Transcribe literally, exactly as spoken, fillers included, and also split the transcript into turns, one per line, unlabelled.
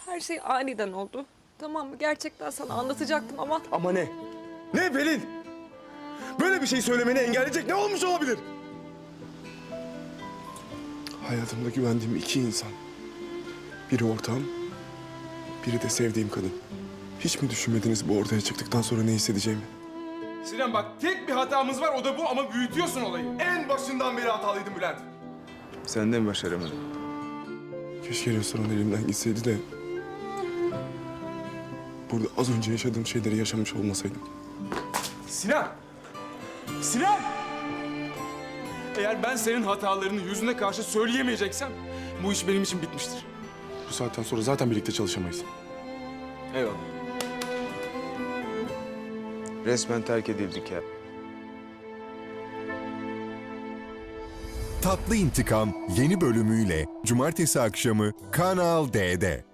Her şey aniden oldu. Tamam mı? Gerçekten sana anlatacaktım ama...
Ama ne? Ne Pelin? Böyle bir şey söylemeni engelleyecek ne olmuş olabilir? Hayatımda güvendiğim iki insan. Biri ortağım, biri de sevdiğim kadın. Hiç mi düşünmediniz bu ortaya çıktıktan sonra ne hissedeceğimi?
Sinan bak tek bir hatamız var o da bu ama büyütüyorsun olayı. En başından beri hatalıydın Bülent.
Sen de mi başaramadın? Keşke restoran elimden gitseydi de... burada az önce yaşadığım şeyleri yaşamış olmasaydım.
Sinan! Sinan! Eğer ben senin hatalarını yüzüne karşı söyleyemeyeceksem bu iş benim için bitmiştir.
Bu saatten sonra zaten birlikte çalışamayız.
Eyvallah.
Resmen terk edildik ya.
Tatlı İntikam yeni bölümüyle cumartesi akşamı Kanal D'de.